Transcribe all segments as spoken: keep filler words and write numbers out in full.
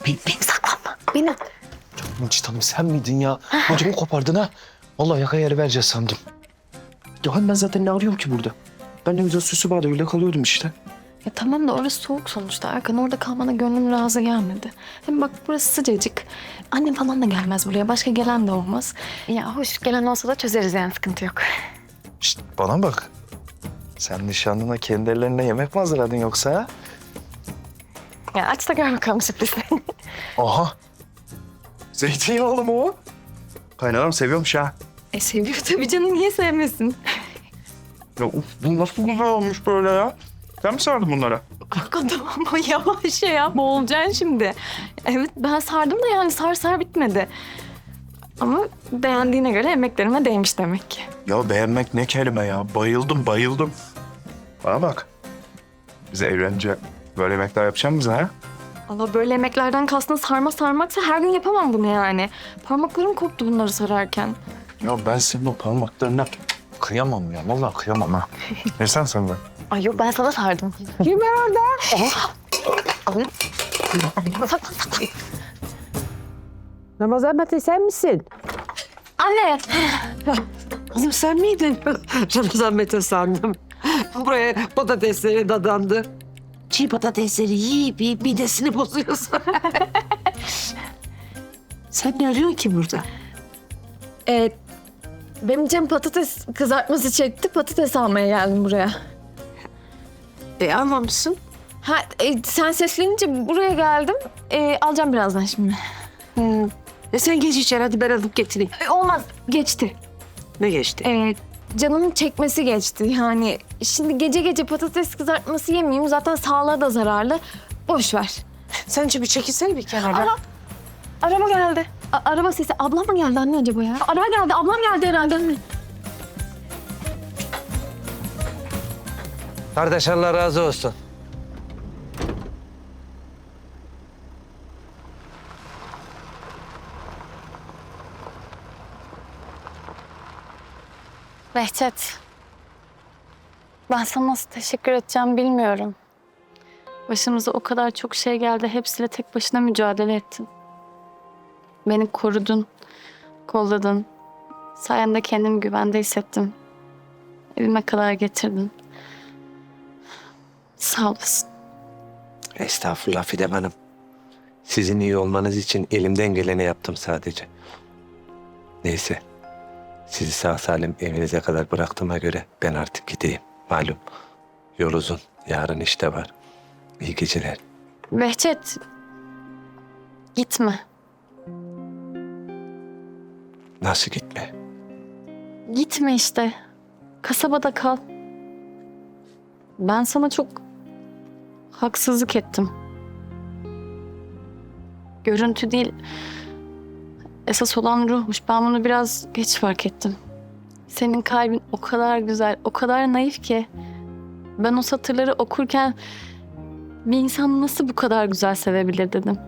Beni, beni saklanma. Beni. Mucit Hanım sen miydin ya? Ödümü kopardın ha. Vallahi yaka yeri vereceğiz sandım. Ya hani ben zaten ne arıyorum ki burada? Ben ne güzel süsü vardı öyle kalıyordum işte. Ya tamam da orası soğuk sonuçta Erkan. Orada kalmana gönlüm razı gelmedi. Hem bak burası sıcacık. Annem falan da gelmez buraya. Başka gelen de olmaz. Ya hoş gelen olsa da çözeriz yani sıkıntı yok. Şişt bana bak. Sen nişanlına kendi ellerine yemek mi hazırladın yoksa ha? Ya aç da gör bakalım sürprizini. Aha. Zeytinyağlı mı o? Kaynanam seviyormuş ha. E seviyor tabii canım. Niye sevmesin? Ya uf, bu nasıl güzel olmuş böyle ya? Sen mi sardın bunlara? Erkan tamam ama yavaş ya. Boğulacaksın şimdi. Evet ben sardım da yani sar sar bitmedi. Ama beğendiğine göre emeklerime değmiş demek ki. Ya beğenmek ne kelime ya? Bayıldım, bayıldım. Bana bak. Biz evlenince böyle yemekler yapacak mısın ha? Allah böyle yemeklerden kastın sarma sarmaksa her gün yapamam bunu yani. Parmaklarım koptu bunları sararken. Ya ben senin o parmaklarına kıyamam ya. Vallahi kıyamam ha. Ne sen sen ben? Ay yok ben sana sardım. Kim var orada? Alın. Saklan saklan. Ramazan Mete sen misin? Anne. Kızım sen miydin? Ramazan Mete sandım. Buraya patatesleri dadandı. Çiğ patatesleri yiyip yiyip midesini bozuyorsun. Sen ne arıyorsun ki burada? Ee, benim canım patates kızartması çekti. Patates almaya geldim buraya. E almamışsın. Ha e, sen seslenince buraya geldim. E, alacağım birazdan şimdi. Hmm. E sen geç içeri hadi ben alıp getireyim. E, olmaz geçti. Ne geçti? E, canımın çekmesi geçti. Yani şimdi gece gece patates kızartması yemeyeyim. Zaten sağlığa da zararlı. Boş ver. Sence bir çekilsene bir kenara. Aa, araba geldi. A- araba sesi. Ablam mı geldi anne acaba ya? Araba geldi. Ablam geldi herhalde anne. Kardeş Allah razı olsun. Behçet, ben sana nasıl teşekkür edeceğim bilmiyorum. Başımıza o kadar çok şey geldi, hepsiyle tek başına mücadele ettin. Beni korudun, kolladın. Sayende kendimi güvende hissettim. Evime kadar getirdin. Sağ olasın. Estağfurullah Fidem Hanım. Sizin iyi olmanız için elimden geleni yaptım sadece. Neyse. Sizi sağ salim evinize kadar bıraktığıma göre ben artık gideyim. Malum yol uzun. Yarın işte var. İyi geceler. Behçet, gitme. Nasıl gitme? Gitme işte. Kasabada kal. Ben sana çok haksızlık ettim. Görüntü değil, esas olan ruhmuş. Ben bunu biraz geç fark ettim. Senin kalbin o kadar güzel, o kadar naif ki. Ben o satırları okurken bir insan nasıl bu kadar güzel sevebilir dedim.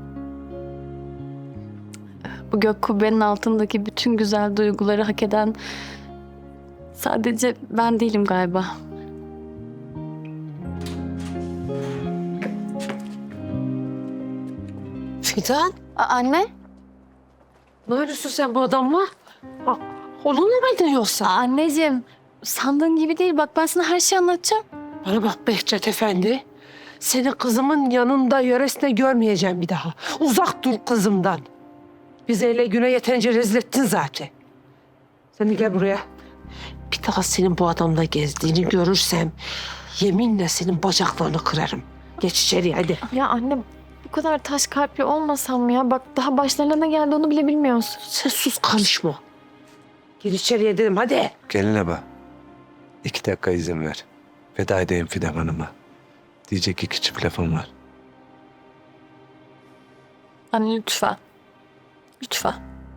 Bu gök kubbenin altındaki bütün güzel duyguları hak eden sadece ben değilim galiba. Fidan, A- anne? ne yapıyorsun sen bu adamla? Ah, onunla mıydın yoksa? A- anneciğim, sandığın gibi değil. Bak ben sana her şeyi anlatacağım. Bana bak Behçet Efendi. Seni kızımın yanında yöresine görmeyeceğim bir daha. Uzak dur kızımdan. Bizi ele güne yeterince rezil ettin zaten. Sen de gel buraya. Bir daha senin bu adamla gezdiğini görürsem yeminle senin bacaklarını kırarım. Geç içeri hadi. Ya anne bu kadar taş kalpli olmasam mı ya? Bak daha başlarına ne geldi onu bile bilmiyorsun. Sen sus karışma. Gir içeriye dedim hadi. Geline bak. İki dakika izin ver. Veda edeyim Fidem Hanım'a. Diyecek iki çift lafım var. Anne lütfen. Lütfen.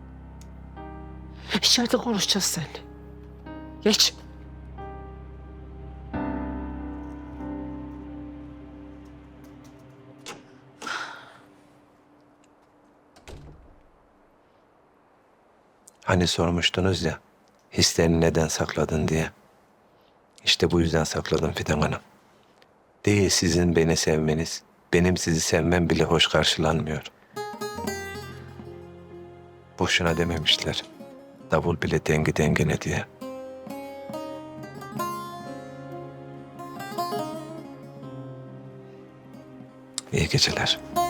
İçeride konuşacağız seninle. Geç. Hani sormuştunuz ya, hislerini neden sakladın diye. İşte bu yüzden sakladım Fidan Hanım. Değil sizin beni sevmeniz, benim sizi sevmem bile hoş karşılanmıyor. Boşuna dememişler. Davul bile dengi dengine diye. İyi geceler.